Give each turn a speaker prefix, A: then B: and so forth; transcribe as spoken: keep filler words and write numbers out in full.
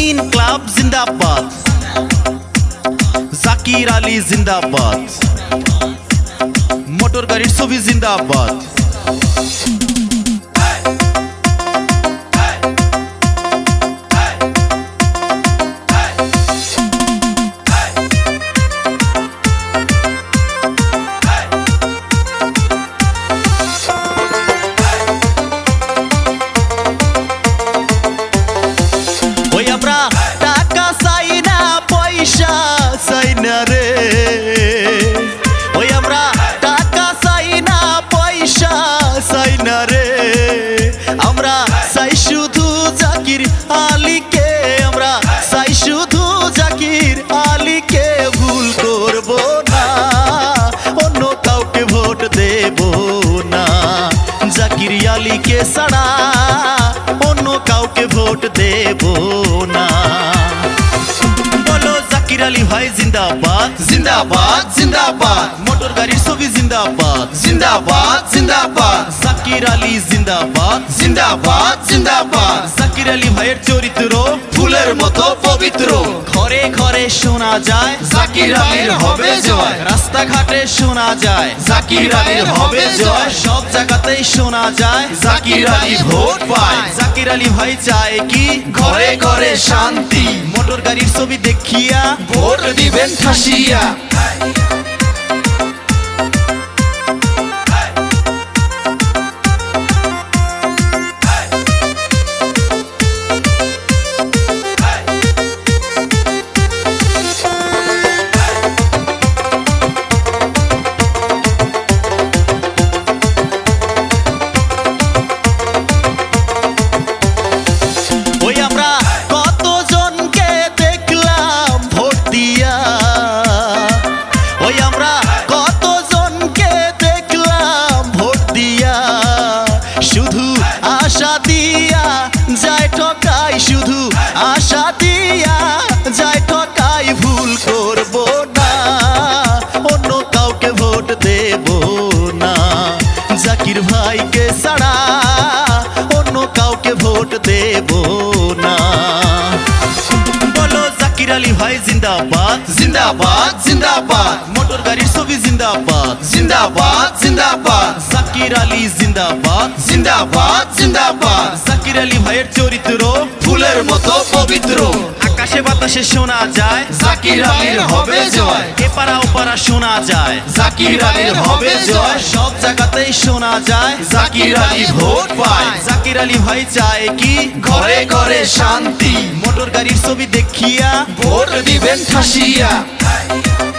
A: রঙিন ক্লাব জিন্দাবাদ, জাকির আলী জিন্দাবাদ, মোটর গাড়ির ছবি জিন্দাবাদ। আমরা টাকা চাই না, পয়সা চাই না রে, ওই আমরা টাকা চাই না, পয়সা চাই না রে, আমরা চাই শুধু জাকির আলীকে, আমরা চাই শুধু জাকির আলীকে, ভুল করব না, অন্য কাউকে ভোট দেব না, জাকির আলীকে ছাড়া অন্য কাউকে ভোট দেব না। বলো জাকির আলী ভাই জিন্দাবাদ,
B: জিন্দাবাদ জিন্দাবাদ,
A: মোটর গাড়ির ছবি জিন্দাবাদ,
B: জিন্দাবাদ জিন্দাবাদ,
A: জাকির আলী জিন্দাবাদ,
B: জিন্দাবাদ জিন্দাবাদ,
A: জাকির আলী ভাইয়ের চরিত্র
B: ফুলের মতো পবিত্র,
A: ঘরে ঘরে শোনা যায়
B: জাকির আলীর হবে জয়,
A: রাস্তাঘাটে শোনা যায়
B: জাকির আলীর হবে জয়,
A: সব জায়গাতেই শোনা যায়
B: জাকির আলী ভোট পায়,
A: জাকির আলী ভাই চায় কি
B: ঘরে ঘরে শান্তি,
A: মোটর গাড়ির ছবি দেখিয়া
B: ভোট দিবেন ঠাসিয়া।
A: ওই আমরা কতজনকে দেখলাম ভোট দিয়া, ওই আমরা কতজনকে দেখলাম ভোট দিয়া, শুধু আশা দিয়া যায় ঠকাই, শুধু আশা দিয়া যায় ঠকাই, ভুল করব না, অন্য কাউকে ভোট দেব না, জাকির ভাইকে ছাড়া অন্য কাউকে ভোট দেব না। বলো জাকির আলী ভাই জিন্দাবাদ,
B: জিন্দাবাদ জিন্দাবাদ,
A: মোটর গাড়ির ছবি জিন্দাবাদ,
B: জিন্দাবাদ জিন্দাবাদ,
A: জাকির আলী জিন্দাবাদ,
B: জিন্দাবাদ জিন্দাবাদ,
A: জাকির আলী ভাইয়ের চরিত্র
B: ফুলের মতো পবিত্র,
A: আকাশে বাতাসে শোনা যায়
B: জাকির আলীর হবে জয়,
A: এপারা ওপারা শোনা যায়
B: জাকির আলীর হবে জয়,
A: সব জায়গাতেই শোনা যায়
B: জাকির আলী ভোট পায়,
A: জাকির আলী ভাই চায় কি
B: ঘরে ঘরে শান্তি,
A: মোটর গাড়ির ছবি দেখিয়া
B: ভোট দিবেন ঠাসিয়া।